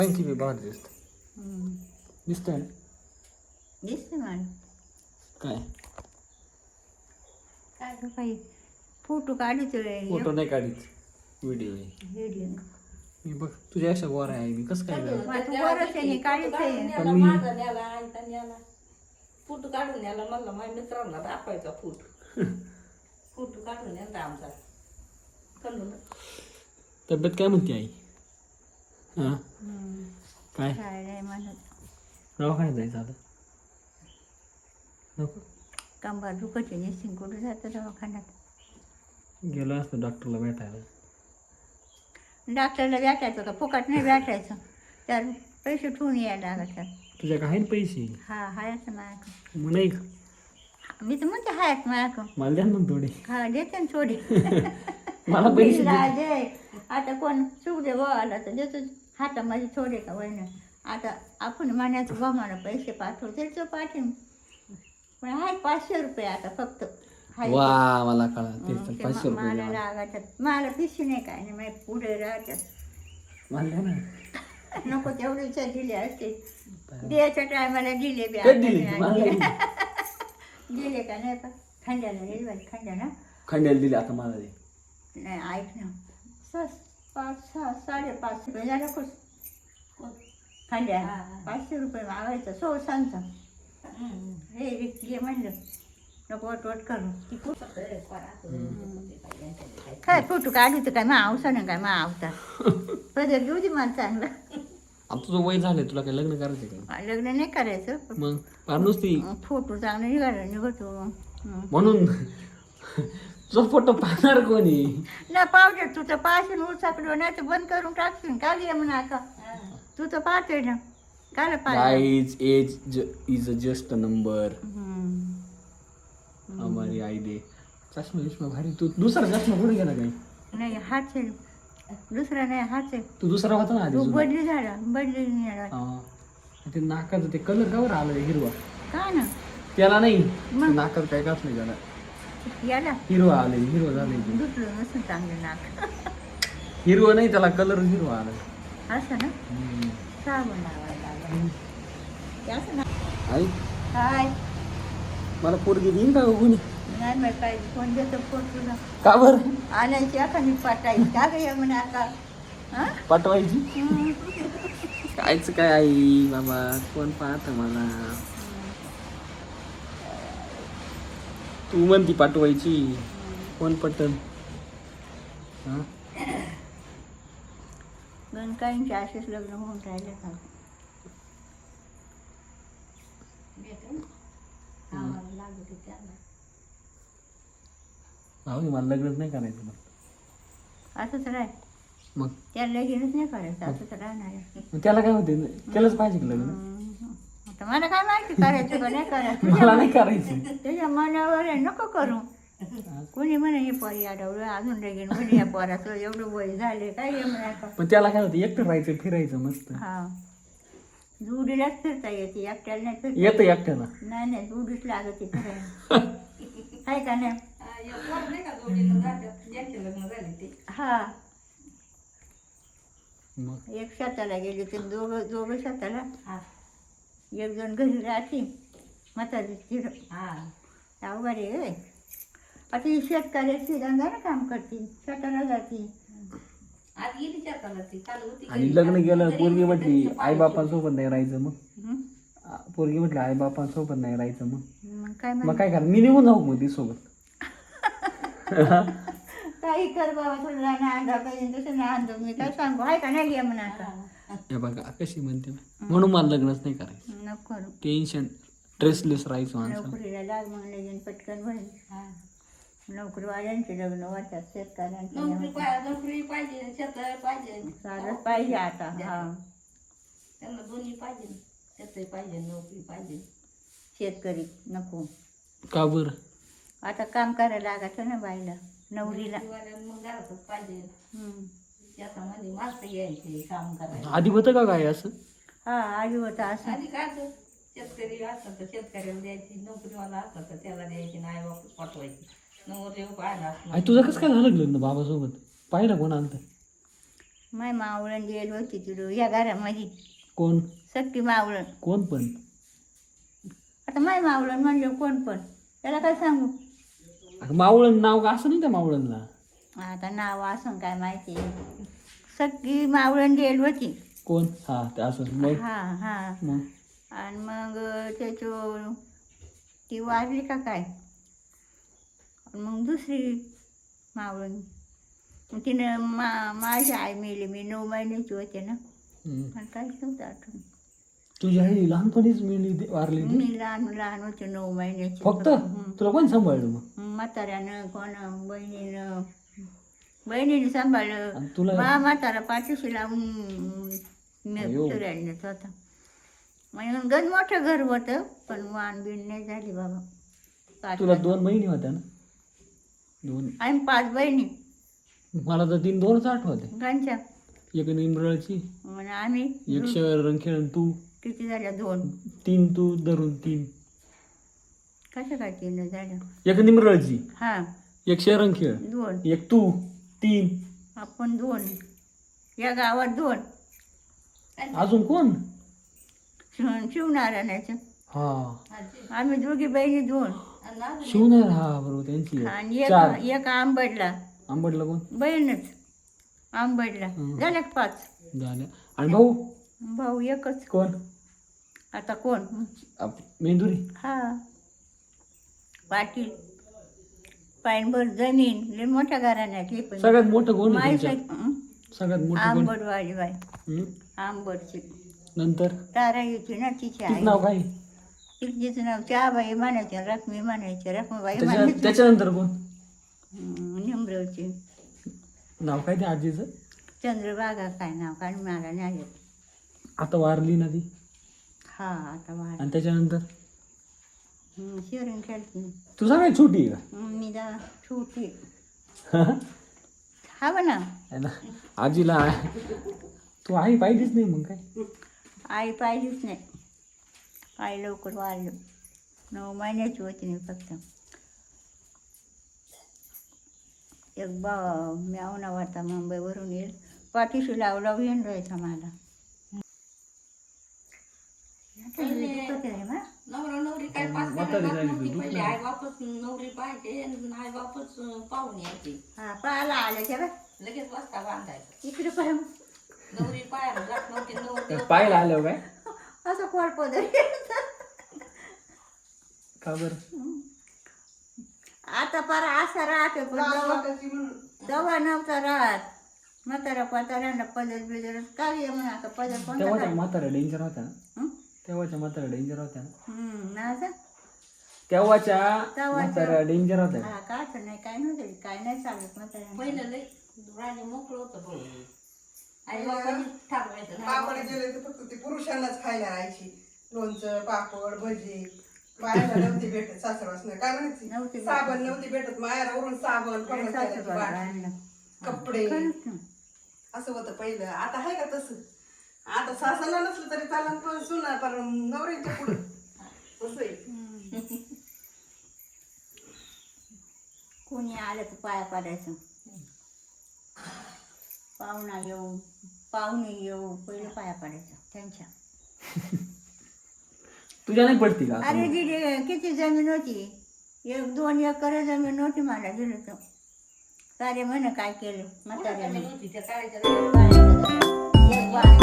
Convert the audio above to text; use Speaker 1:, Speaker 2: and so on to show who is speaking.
Speaker 1: आणखी बी बाहेर दिसत दिसतंय ना
Speaker 2: दिसते मला
Speaker 1: काय
Speaker 2: काय गं बाई फोटो काढतोय
Speaker 1: फोटो नाही काढीत व्हिडिओ आहे
Speaker 2: व्हिडिओ
Speaker 1: मी बघ तुझ्या अशा गोरा आहे मी कसं काय गं?
Speaker 2: तू बरंच आहे काढतोय
Speaker 1: पण मी
Speaker 3: फोटो काढून याला म्हणलं माझ्या मित्रांना दाखवायचा फोटो फोटो काढून यायचा आमचा कळलं ना
Speaker 1: तब्येत काय म्हणते आई हां काय
Speaker 2: काय नाही म्हणत
Speaker 1: दवाखान्यात जायचं आता नको
Speaker 2: कंबर दुखते निश्चित कुठं जातं दवाखान्यात
Speaker 1: गेलो असतो डॉक्टरला भेटायला
Speaker 2: डॉक्टरला भेटायचं का फुकट नाही भेटायचं तर पैसे ठेवून यायला लागतात
Speaker 1: तुझ्या काय ना पैसे
Speaker 2: हा हायच माझ्याकडं
Speaker 1: मग नाही का
Speaker 2: मी तर म्हणते हायच माझ्याकडं
Speaker 1: मला द्या ना मग थोडे
Speaker 2: हा देते ना थोडी
Speaker 1: मला पैसे
Speaker 2: दिला दे आता कोण चूक दे आला तर देतो हातामध्ये थोडे का वयनं आता आपण म्हणायचं बा मला पैसे पाठवते तो पाठवून पण हाय 500 रुपये आता फक्त हाय
Speaker 1: वा मला कळा ते
Speaker 2: ते
Speaker 1: 500 रुपये
Speaker 2: मला
Speaker 1: द्या मला.
Speaker 2: लागायच्यात मला पिशी नाही काय नाही माझ्या पुढे राहतात
Speaker 1: मला द्या ना
Speaker 2: नको तेवढीच्या दिले असते द्यायच्या टायमाला दिले बी
Speaker 1: कधी दिले?
Speaker 2: आता
Speaker 1: मला
Speaker 2: नाही.
Speaker 1: दिले.
Speaker 2: दिले का नाही पण खंड्याला दिली बाई खंड्याला
Speaker 1: खंड्याला दिले आता मला दे
Speaker 2: नाही ऐक ना 5-6 रुपये झालं खुश खंड्या 500 रुपये मागायचं सो सांगता हे घे म्हणलं नको वट करू काय फोटो काढू काय मग आवसा ना काय मग आवता पदर घेऊ दे मला चांगला
Speaker 1: आता तुझं वय झालंय तुला काय लग्न करायचं का
Speaker 2: लग्न नाही करायचं
Speaker 1: मग फार नुसती
Speaker 2: फोटो चांगला निघतो
Speaker 1: म्हणून तुझा फोटो पाहणार कोणी
Speaker 2: ना पावडर तू तर पाहशील उचाकडं नाही तर बंद करून टाकशील का ये म्हणा का तू तर पाहतोय ना काल
Speaker 1: guys age is just a number हमारी आई दे चष्मा बिष्मा भारी तू दुसरा चष्मा कुठे गेला काय
Speaker 2: नाही हाच आहे दुसरा नाही हाच आहे
Speaker 1: तू दुसरा होता ना आधी
Speaker 2: तू
Speaker 1: जुना.
Speaker 2: बदली झाला बदली नाही झाला.
Speaker 1: हा. ते नाकाचं ते कलर कावर आलं हिरवा
Speaker 2: काय ना
Speaker 1: त्याला नाही
Speaker 2: मग?
Speaker 1: नाकात काय काच नाही त्याला
Speaker 2: याला
Speaker 1: हिरवा आले हिरवा झाले
Speaker 2: दुसरं नसून चांगलं नाक
Speaker 1: हिरवा नाही त्याला कलर हिरवा आला
Speaker 2: असं ना साबण लावायला लागला ते असं ना
Speaker 1: आई
Speaker 2: हाय
Speaker 1: मला पोरगी देईन का कोणी
Speaker 2: नाही माहिती काय फोन देतो फोन तुला
Speaker 1: का बरं
Speaker 2: आणायची आता मी पाठायची का ग या म्हणे आता हां
Speaker 1: पाठवायची कायच काय आई बाबा कोण पाहत मला तू म्हणती पाठवायची कोण पटन हा
Speaker 2: गणकाईंचे असेच लग्न होऊन राहिले का
Speaker 1: भाऊ मला लग्नच नाही करायचं मग
Speaker 2: असंच राह
Speaker 1: मग
Speaker 2: त्याला लगीनच नाही करायचं असंच राहणार आहे.
Speaker 1: मग त्याला काय होते केलंच पाहिजे की लग्न
Speaker 2: आता मला काय माहिती करायचं का नाही करायचं
Speaker 1: मला नाही करायचं
Speaker 2: त्याच्या मनावर आहे नको करू कोणी म्हणे हे पोरी आडवलं अजून लगीन म्हणे या पोराचं एवढं वय झाले काय हे म्हणायचं
Speaker 1: पण त्याला काय होतं एकटं राहायचं फिरायचं मस्त
Speaker 2: हा जुडीलाच फिरता येते एकट्याला नाही फिरता
Speaker 1: येतं एकट्याला
Speaker 2: नाही जुडीच लागते फिरायला आहे का नाही
Speaker 3: नाही का जोडीनं जातात ज्यांचे लग्न झाले ते
Speaker 2: हा
Speaker 1: मग
Speaker 2: एक शेताला गेली ते दोघं शेताला
Speaker 3: हा
Speaker 2: एक जण घरी राहते म्हातारी चिर
Speaker 3: हा
Speaker 2: अवघड आहे आता ही शेतकऱ्याची धंदा काम करते शेताला जाते
Speaker 3: आज गेली शेताला ती काल होती
Speaker 1: आणि
Speaker 3: घरी.
Speaker 1: लग्न गेलं
Speaker 3: घरी
Speaker 1: पोरगी म्हटली
Speaker 3: त्यांच्या
Speaker 1: आई
Speaker 3: पायाची.
Speaker 1: बापांसोबत नाही राहायचं मग
Speaker 2: हं?
Speaker 1: पोरगी म्हटली आई बापांसोबत नाही राहायचं मग
Speaker 2: मग काय
Speaker 1: मग
Speaker 2: म्हण
Speaker 1: काय करा मी निघून जाऊ मग ती सोबत
Speaker 2: काही कर बाबा थोडं आणा पाहिजे तसं नाही आणतो मी काय सांगू आहे का नाही घे म्हणा आता
Speaker 1: हे बघा कशी म्हणते ना म्हणून मला लग्नच नाही करायचं
Speaker 2: नको करू
Speaker 1: टेन्शन स्ट्रेसलेस राहायचं माणसं
Speaker 2: नोकरीला लाग म्हणले घेऊन पटकन भरेल
Speaker 3: हा.
Speaker 2: नोकरीवाल्यांचे लग्न होतात शेतकऱ्यांचे
Speaker 3: नोकरी पाहिजे शेत पाहिजे
Speaker 2: चालत पाहिजे आता हा
Speaker 3: त्यांना दोन्ही पाहिजे शेतही पाहिजे नोकरी पाहिजे
Speaker 2: शेतकरी नको
Speaker 1: का बरं
Speaker 2: आता काम करायला लागायचं ना बाईला नवरीला
Speaker 3: नोकरीवाल्यांना मग घरातच पाहिजे
Speaker 2: हं.
Speaker 3: शेतामध्ये माणसं यायचे काम करायला
Speaker 1: आधी होतं का काय असं
Speaker 2: हा आधी होता असं
Speaker 3: आधी काय असं, शेतकरी असतात तर शेतकऱ्याला द्यायची नोकरीवाला असतात तर त्याला द्यायची नाही वापस पाठवायची नवरे पाहायला असणार
Speaker 1: आई तुझं कसं काय झालं लग्न बाबासोबत पाहिलं कोण आलं
Speaker 2: माय मावळण गेली होती तुला या घरामध्ये
Speaker 1: कोण
Speaker 2: सक्की मावळण.
Speaker 1: कोण पण
Speaker 2: आता माय मावळण म्हणलं कोण पण त्याला काय सांगू.
Speaker 1: अगं, मावळण नाव का असं नाही त्या मावळणला?
Speaker 2: आता नाव असं काय माहिती. सक्की मावळण गेली होती.
Speaker 1: कोण? हा ते असं मग
Speaker 2: हा हा.
Speaker 1: मग
Speaker 2: आणि मग त्याचं ती वारली का काय. मग दुसरी मावळण मग तिनं माझी आई मेली. मी 9 महिन्याची होते ना. आणि काहीच नव्हतं आठवण.
Speaker 1: तुझी आई लहानपणीच वारली ती?
Speaker 2: मी लहान लहान होते 9 महिन्याची.
Speaker 1: फक्त तुला कोण सांभाळलं मग?
Speaker 2: म्हाताऱ्यानं कोण बहिणीने सांभाळलं.
Speaker 1: आणि तुला
Speaker 2: म्हातारा पाठीशी लावून
Speaker 1: अयो.
Speaker 2: फिरायला नेत होता. मग गण मोठं घर होतं पण वाण बिण नाही झाली बाबा.
Speaker 1: तुला 2 बहिणी होत्या ना? 2.
Speaker 2: आम्ही 5 बहिणी.
Speaker 1: मला तर 2च आठवते.
Speaker 2: गणच्या
Speaker 1: एक निंबळाची,
Speaker 2: मग आम्ही
Speaker 1: एक शहर खेळून तू,
Speaker 2: किती झाल्या 2.
Speaker 1: 3 तू धरून 3.
Speaker 2: कसं काय 3 झाल्या?
Speaker 1: एक निंबळाची,
Speaker 2: हा
Speaker 1: एक शहर खेळ,
Speaker 2: 2.
Speaker 1: एक तू 3.
Speaker 2: आपण 2. या गावात 2.
Speaker 1: अजून कोण?
Speaker 2: शिवनारायणाचं.
Speaker 1: हा
Speaker 2: आम्ही दोघी बहिणी 2.
Speaker 1: शिवणार. हा बरोबर त्यांची आहे.
Speaker 2: आणि
Speaker 1: 4.
Speaker 2: एक आंबडला
Speaker 1: आंबडला कोण?
Speaker 2: बहीणच. आंबडला झाल्या 5.
Speaker 1: झाल्या. आणि भाऊ?
Speaker 2: भाऊ एकच.
Speaker 1: कोण?
Speaker 2: आता कोण?
Speaker 1: मेंदुरी.
Speaker 2: हा पाटील. पायनभर जमीन लय मोठ्या घराण्यातली पण
Speaker 1: सगळ्यात मोठं कोण आहे
Speaker 2: माहिती
Speaker 1: तुमच्या? सगळ्यात मोठं कोण?
Speaker 2: आंबडवाली बाई.
Speaker 1: हं?
Speaker 2: आंबडची
Speaker 1: नंतर
Speaker 2: तारा येते ना तिची
Speaker 1: तिचं
Speaker 2: आई.
Speaker 1: नाव काय?
Speaker 2: तिचं नाव चहाबाई म्हणायचे. रखमी म्हणायचे. रखमीबाई म्हणायचे.
Speaker 1: त्याच्यानंतर कोण?
Speaker 2: निमरवची
Speaker 1: नाव काय ते आजीचं?
Speaker 2: चंद्रबागा काय नाव काय मला नाही आलं.
Speaker 1: आता वारली ना ती.
Speaker 2: हा आता वाढ.
Speaker 1: आणि त्याच्यानंतर
Speaker 2: शिवरण खेळते.
Speaker 1: तू सगळ्यात छोटी आहे का?
Speaker 2: मी दा छोटी. हा ना.
Speaker 1: है ना? आजीला तू आई पाहिलीच नाही मग काय?
Speaker 2: आई पाहिलीच नाही. आई लवकर वाढलं. 9 महिन्याची होती मी फक्त. एक म्यावना होता मुंबईवरून येईल. पाठीशी लावला येऊन राहायचा मला.
Speaker 3: नवरा नवरी काय 5 नव्हती पहिले. आई बापच नवरी पाहिजे आई बापच पाहून यायची.
Speaker 2: हा पाहायला आले तेव्हा
Speaker 3: लगेच बसता बांधायचं.
Speaker 2: इकडे पाय
Speaker 3: नवरी पायाला जात नव्हती. नवरी
Speaker 1: पाहायला आलं काय?
Speaker 2: असं कोळपद
Speaker 1: का बरं?
Speaker 2: आता पार असा राहते पण तेव्हा नव्हता राहत. म्हातारा पाताऱ्यांना पदर बिदर काय म्हणा. आता पदर कोणता
Speaker 1: तेव्हाच्या
Speaker 2: काय?
Speaker 1: म्हातारा डेंजर होत्या ना? तेव्हाच्या म्हातारा डेंजर होत्या ना?
Speaker 2: नाचा
Speaker 1: तेव्हाच्या म्हातारा डेंजर होत्या.
Speaker 2: हा काय नाही काय नव्हतं. काय नाही चालत म्हाताऱ्यांना.
Speaker 3: पहिलं लई राजे मोकळं होतं भाऊ. आई बापाने ठरवायचं.
Speaker 4: पापड गेले तर फक्त ते पुरुषांनाच खायला राहायची. लोणचं पापड भजी. बायाला नव्हती भेटत. सासरवासना काय
Speaker 2: नव्हती
Speaker 4: म्हणायची?
Speaker 2: भेटत.
Speaker 4: साबण नव्हती भेटत. मायावरून साबण पडलं त्याची बाटली, कपडे असं होतं पहिलं. आता आहे का तसं? आता सासरला नसलं तरी चालन पण सुना पर नवऱ्यांच्या पुढं तसं आहे.
Speaker 2: कोणी आलं तर पाया पडायचं. पाहुणे येऊ पहिले पाया पडायचं त्यांच्या.
Speaker 1: तुझ्या नाही पडती का?
Speaker 2: अरे दिदी किती जमीन होती. 1-2 एकर जमीन होती मला. दिलं तर सारे म्हणे काय केलं म्हाताऱ्याने.
Speaker 3: नव्हती त्या काळाच्या
Speaker 2: एक बाण